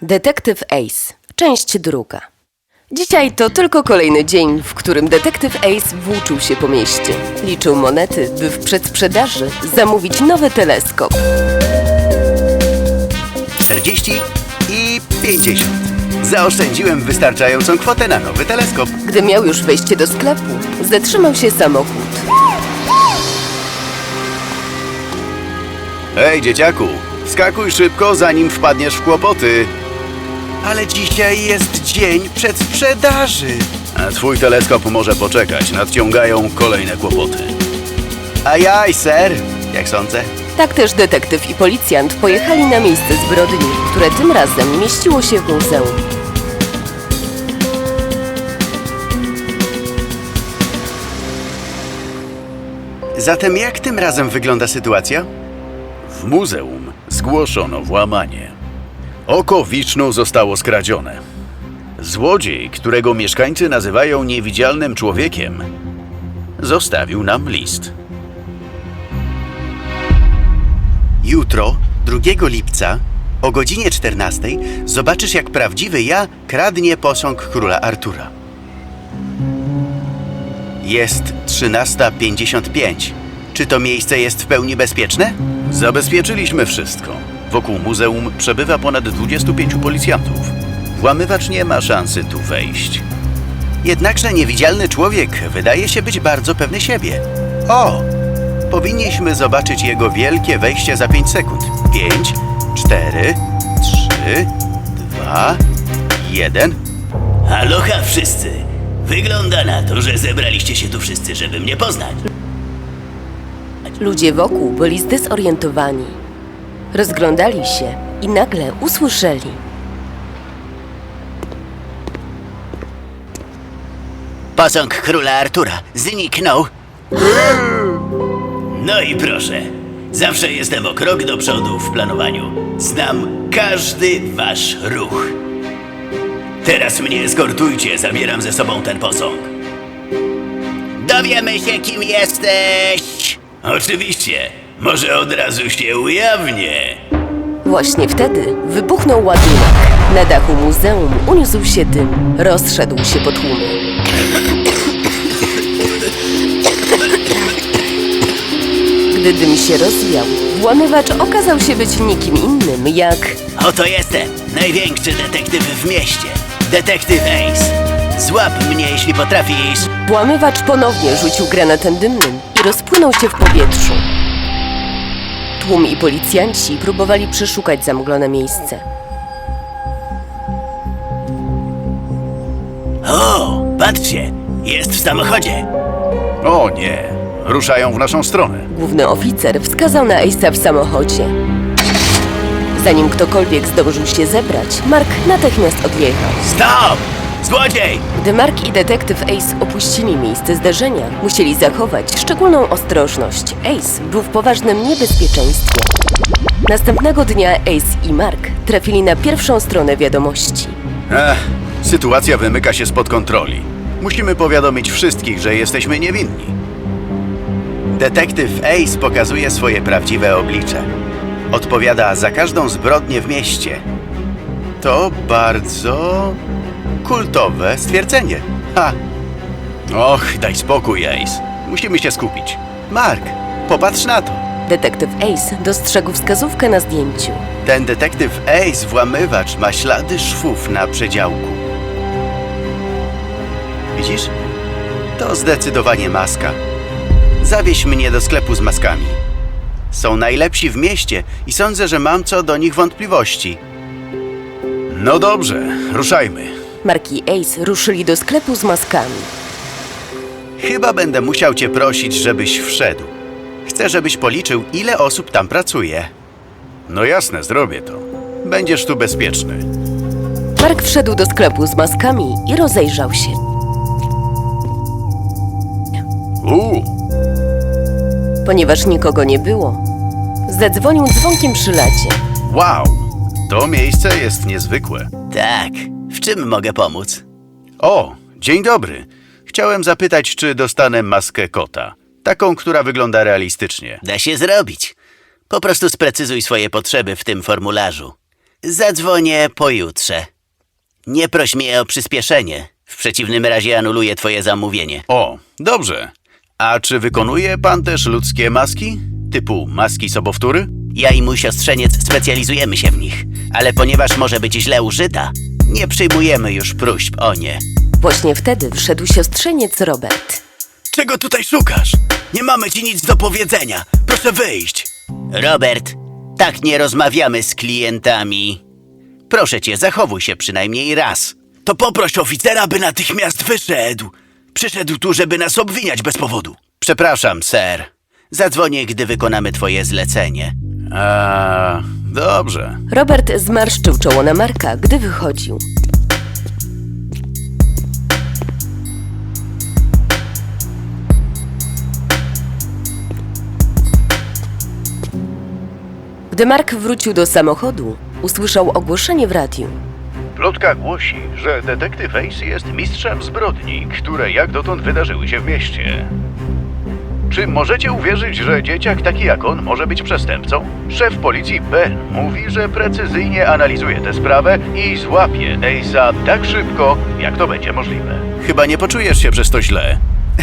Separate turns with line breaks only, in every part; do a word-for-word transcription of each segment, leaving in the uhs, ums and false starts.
Detektyw Ace, część druga. Dzisiaj to tylko kolejny dzień, w którym detektyw Ace włóczył się po mieście. Liczył monety, by w przedsprzedaży zamówić nowy teleskop.
czterdzieści i pięćdziesiąt. Zaoszczędziłem wystarczającą kwotę na nowy teleskop.
Gdy miał już wejście do sklepu, zatrzymał się samochód.
Hej, dzieciaku, wskakuj szybko, zanim wpadniesz w kłopoty. Ale dzisiaj jest dzień przedsprzedaży. A twój teleskop może poczekać, nadciągają kolejne kłopoty. Ajaj, ser, jak sądzę?
Tak też detektyw i policjant pojechali na miejsce zbrodni, które tym razem mieściło się w muzeum.
Zatem jak tym razem wygląda sytuacja? W muzeum zgłoszono włamanie. Oko Wisznu zostało skradzione. Złodziej, którego mieszkańcy nazywają niewidzialnym człowiekiem, zostawił nam list. Jutro, drugiego lipca, o godzinie czternastej, zobaczysz, jak prawdziwy ja kradnie posąg króla Artura. Jest trzynasta pięćdziesiąt pięć. Czy to miejsce jest w pełni bezpieczne? Zabezpieczyliśmy wszystko. Wokół muzeum przebywa ponad dwudziestu pięciu policjantów. Włamywacz nie ma szansy tu wejść. Jednakże niewidzialny człowiek wydaje się być bardzo pewny siebie. O! Powinniśmy zobaczyć jego wielkie wejście za pięć sekund. Pięć, cztery, trzy, dwa, jeden.
Aloha wszyscy! Wygląda na to, że zebraliście się tu wszyscy, żeby mnie poznać.
Ludzie wokół byli zdezorientowani. Rozglądali się i nagle usłyszeli.
Posąg króla Artura zniknął.
No i proszę, zawsze jestem o krok do przodu w planowaniu. Znam każdy wasz ruch. Teraz mnie eskortujcie, zabieram ze sobą ten posąg.
Dowiemy się, kim jesteś.
Oczywiście, może od razu się ujawnię.
Właśnie wtedy wybuchnął ładunek. Na dachu muzeum uniósł się dym. Rozszedł się po tłumie. Gdy dym się rozwiał, włamywacz okazał się być nikim innym jak...
Oto jestem, największy detektyw w mieście. Detektyw Ace. Złap mnie, jeśli potrafisz.
Włamywacz ponownie rzucił granatem dymnym i rozpłynął się w powietrzu. Tłum i policjanci próbowali przeszukać zamglone miejsce.
O, patrzcie, jest w samochodzie.
O nie, ruszają w naszą stronę.
Główny oficer wskazał na Ace'a w samochodzie. Zanim ktokolwiek zdążył się zebrać, Mark natychmiast odjechał.
Stop! Złodziej!
Gdy Mark i detektyw Ace opuścili miejsce zdarzenia, musieli zachować szczególną ostrożność. Ace był w poważnym niebezpieczeństwie. Następnego dnia Ace i Mark trafili na pierwszą stronę wiadomości.
Ech, sytuacja wymyka się spod kontroli. Musimy powiadomić wszystkich, że jesteśmy niewinni. Detektyw Ace pokazuje swoje prawdziwe oblicze. Odpowiada za każdą zbrodnię w mieście. To bardzo kultowe stwierdzenie. Ha! Och, daj spokój, Ace. Musimy się skupić. Mark, popatrz na to.
Detektyw Ace dostrzegł wskazówkę na zdjęciu.
Ten detektyw Ace, włamywacz, ma ślady szwów na przedziałku. Widzisz? To zdecydowanie maska. Zawieź mnie do sklepu z maskami. Są najlepsi w mieście i sądzę, że mam co do nich wątpliwości. No dobrze, ruszajmy.
Mark i Ace ruszyli do sklepu z maskami.
Chyba będę musiał cię prosić, żebyś wszedł. Chcę, żebyś policzył, ile osób tam pracuje. No jasne, zrobię to. Będziesz tu bezpieczny.
Mark wszedł do sklepu z maskami i rozejrzał się.
Uuu,
Ponieważ nikogo nie było, zadzwonił dzwonkiem przy lacie.
wow, to miejsce jest niezwykłe.
Tak, w czym mogę pomóc?
O, dzień dobry. Chciałem zapytać, czy dostanę maskę kota. Taką, która wygląda realistycznie.
Da się zrobić. Po prostu sprecyzuj swoje potrzeby w tym formularzu. Zadzwonię pojutrze. Nie proś mnie o przyspieszenie. W przeciwnym razie anuluję twoje zamówienie.
O, dobrze. A czy wykonuje pan też ludzkie maski? Typu maski sobowtóry?
Ja i mój siostrzeniec specjalizujemy się w nich, ale ponieważ może być źle użyta, nie przyjmujemy już próśb o nie.
Właśnie wtedy wszedł siostrzeniec Robert.
Czego tutaj szukasz? Nie mamy ci nic do powiedzenia. Proszę wyjść. Robert, tak nie rozmawiamy z klientami. Proszę cię, zachowuj się przynajmniej raz. To poproś oficera, by natychmiast wyszedł. Przyszedł tu, żeby nas obwiniać bez powodu. Przepraszam, ser. Zadzwonię, gdy wykonamy twoje zlecenie.
A, dobrze.
Robert zmarszczył czoło na Marka, gdy wychodził. Gdy Mark wrócił do samochodu, usłyszał ogłoszenie w radiu.
Plotka głosi, że detektyw Ace jest mistrzem zbrodni, które jak dotąd wydarzyły się w mieście. Czy możecie uwierzyć, że dzieciak taki jak on może być przestępcą? Szef policji Ben mówi, że precyzyjnie analizuje tę sprawę i złapie Ace'a tak szybko, jak to będzie możliwe.
Chyba nie poczujesz się przez to źle.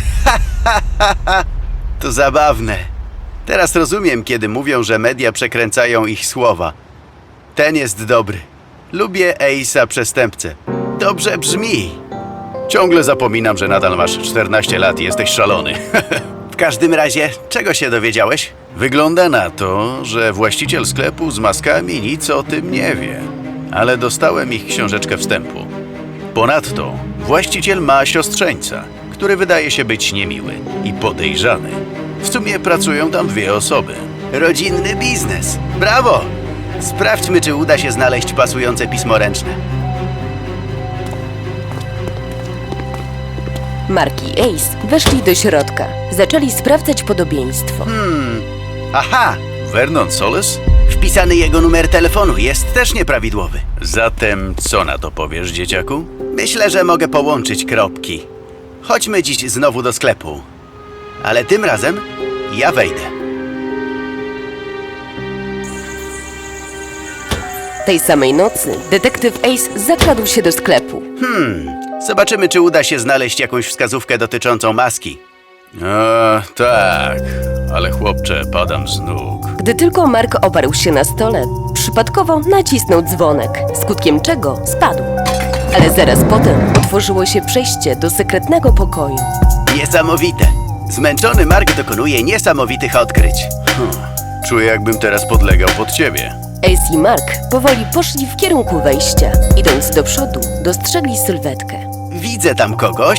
To zabawne. Teraz rozumiem, kiedy mówią, że media przekręcają ich słowa. Ten jest dobry. Lubię Ace'a przestępcę. Dobrze brzmi. Ciągle zapominam, że nadal masz czternaście lat i jesteś szalony. W każdym razie, czego się dowiedziałeś? Wygląda na to, że właściciel sklepu z maskami nic o tym nie wie. Ale dostałem ich książeczkę wstępu. Ponadto właściciel ma siostrzeńca, który wydaje się być niemiły i podejrzany. W sumie pracują tam dwie osoby.
Rodzinny biznes. Brawo! Sprawdźmy, czy uda się znaleźć pasujące pismo ręczne.
Mark i Ace weszli do środka. Zaczęli sprawdzać podobieństwo.
Aha! Vernon Solis?
Wpisany jego numer telefonu jest też nieprawidłowy.
Zatem co na to powiesz, dzieciaku?
Myślę, że mogę połączyć kropki. Chodźmy dziś znowu do sklepu. Ale tym razem ja wejdę.
Tej samej nocy detektyw Ace zakradł się do sklepu.
Zobaczymy, czy uda się znaleźć jakąś wskazówkę dotyczącą maski.
A, tak, ale chłopcze, padam z nóg.
Gdy tylko Mark oparł się na stole, przypadkowo nacisnął dzwonek, skutkiem czego spadł. Ale zaraz potem otworzyło się przejście do sekretnego pokoju.
Niesamowite. Zmęczony Mark dokonuje niesamowitych odkryć.
Czuję, jakbym teraz podlegał pod ciebie.
Ace i Mark powoli poszli w kierunku wejścia. Idąc do przodu, dostrzegli sylwetkę.
Widzę tam kogoś.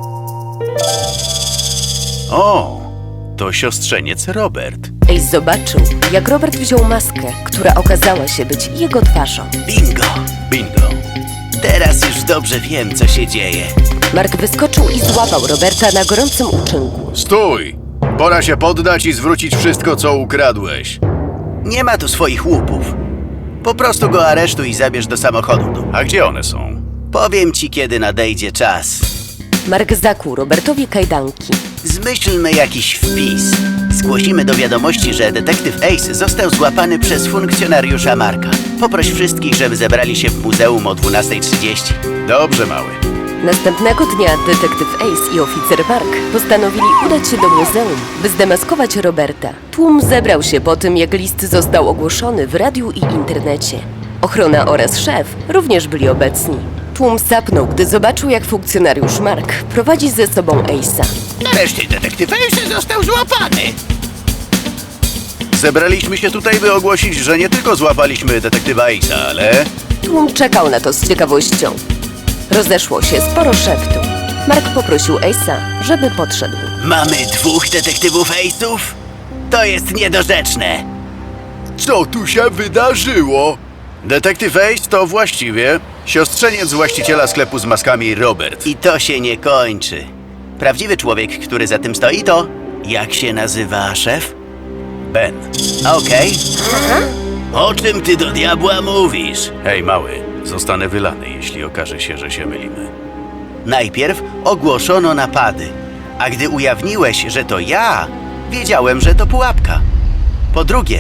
O, to siostrzeniec Robert.
Ace zobaczył, jak Robert wziął maskę, która okazała się być jego twarzą.
Bingo.
Bingo.
Teraz już dobrze wiem, co się dzieje.
Mark wyskoczył i złapał Roberta na gorącym uczynku.
Stój! Pora się poddać i zwrócić wszystko, co ukradłeś.
Nie ma tu swoich łupów. Po prostu go aresztuj i zabierz do samochodu.
A gdzie one są?
Powiem ci, kiedy nadejdzie czas.
Mark zakuł Robertowi kajdanki.
Zmyślmy jakiś wpis. Zgłosimy do wiadomości, że detektyw Ace został złapany przez funkcjonariusza Marka. Poproś wszystkich, żeby zebrali się w muzeum o dwunastej trzydzieści.
Dobrze, mały.
Następnego dnia detektyw Ace i oficer Mark postanowili udać się do muzeum, by zdemaskować Roberta. Tłum zebrał się po tym, jak list został ogłoszony w radiu i internecie. Ochrona oraz szef również byli obecni. Tłum sapnął, gdy zobaczył, jak funkcjonariusz Mark prowadzi ze sobą Ace'a.
Wreszcie detektyw Ace został złapany.
Zebraliśmy się tutaj, by ogłosić, że nie tylko złapaliśmy detektywa Ace'a, ale...
Tłum czekał na to z ciekawością. Rozeszło się sporo szeptu. Mark poprosił Ace'a, żeby podszedł.
Mamy dwóch detektywów Ace'ów? To jest niedorzeczne.
Co tu się wydarzyło? Detektyw Ace to właściwie siostrzeniec właściciela sklepu z maskami Robert.
I to się nie kończy. Prawdziwy człowiek, który za tym stoi, to... Jak się nazywa szef?
Ben.
Okej. O czym ty do diabła mówisz?
Hej, mały, zostanę wylany, jeśli okaże się, że się mylimy.
Najpierw ogłoszono napady, a gdy ujawniłeś, że to ja, wiedziałem, że to pułapka. Po drugie,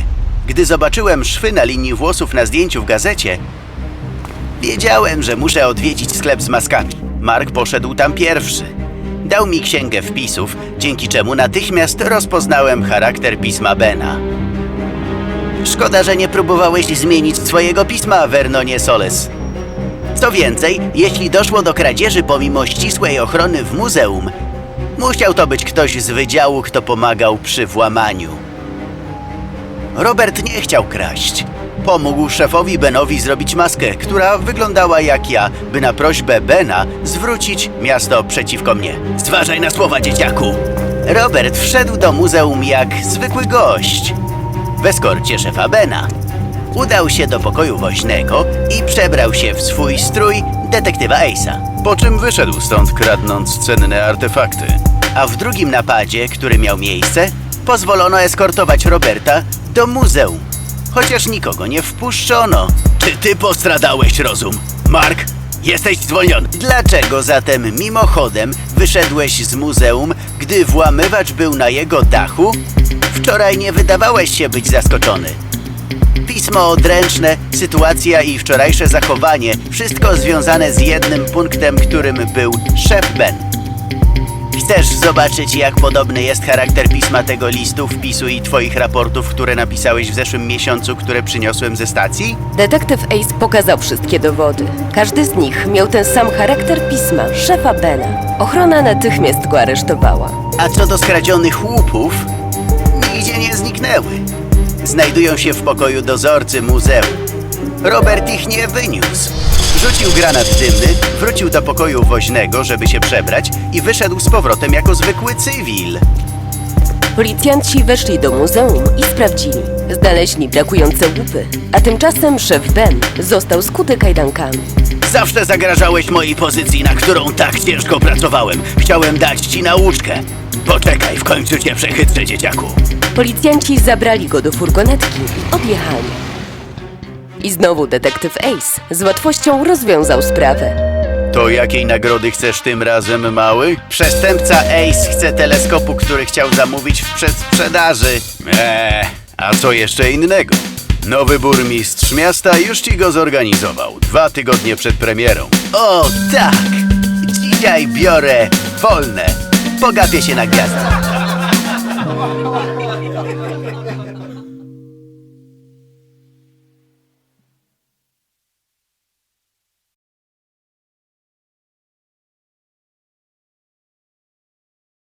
Gdy zobaczyłem szwy na linii włosów na zdjęciu w gazecie, wiedziałem, że muszę odwiedzić sklep z maskami. Mark poszedł tam pierwszy. Dał mi księgę wpisów, dzięki czemu natychmiast rozpoznałem charakter pisma Bena. Szkoda, że nie próbowałeś zmienić swojego pisma, Vernonie Soles. Co więcej, jeśli doszło do kradzieży pomimo ścisłej ochrony w muzeum, musiał to być ktoś z wydziału, kto pomagał przy włamaniu. Robert nie chciał kraść. Pomógł szefowi Benowi zrobić maskę, która wyglądała jak ja, by na prośbę Bena zwrócić miasto przeciwko mnie. Zważaj na słowa, dzieciaku! Robert wszedł do muzeum jak zwykły gość. W eskorcie szefa Bena. Udał się do pokoju woźnego i przebrał się w swój strój detektywa Ace'a.
Po czym wyszedł stąd, kradnąc cenne artefakty.
A w drugim napadzie, który miał miejsce, pozwolono eskortować Roberta do muzeum. Chociaż nikogo nie wpuszczono.
Czy ty postradałeś rozum? Mark, jesteś zwolniony.
Dlaczego zatem mimochodem wyszedłeś z muzeum, gdy włamywacz był na jego dachu? Wczoraj nie wydawałeś się być zaskoczony. Pismo odręczne, sytuacja i wczorajsze zachowanie, wszystko związane z jednym punktem, którym był szef Ben. Chcesz zobaczyć, jak podobny jest charakter pisma tego listu, wpisu i twoich raportów, które napisałeś w zeszłym miesiącu, które przyniosłem ze stacji?
Detektyw Ace pokazał wszystkie dowody. Każdy z nich miał ten sam charakter pisma szefa Bena. Ochrona natychmiast go aresztowała.
A co do skradzionych łupów, nigdzie nie zniknęły. Znajdują się w pokoju dozorcy muzeum. Robert ich nie wyniósł. Rzucił granat dymny, wrócił do pokoju woźnego, żeby się przebrać i wyszedł z powrotem jako zwykły cywil.
Policjanci weszli do muzeum i sprawdzili. Znaleźli brakujące łupy, a tymczasem szef Ben został skuty kajdankami.
Zawsze zagrażałeś mojej pozycji, na którą tak ciężko pracowałem. Chciałem dać ci nauczkę. Poczekaj, w końcu cię przechytrzę, dzieciaku.
Policjanci zabrali go do furgonetki i odjechali. I znowu detektyw Ace z łatwością rozwiązał sprawę.
To jakiej nagrody chcesz tym razem, mały? Przestępca Ace chce teleskopu, który chciał zamówić w przedsprzedaży.
Eee, a co jeszcze innego? Nowy burmistrz miasta już ci go zorganizował, dwa tygodnie przed premierą.
O, tak! Dzisiaj biorę wolne. Pogapię się na gwiazdach.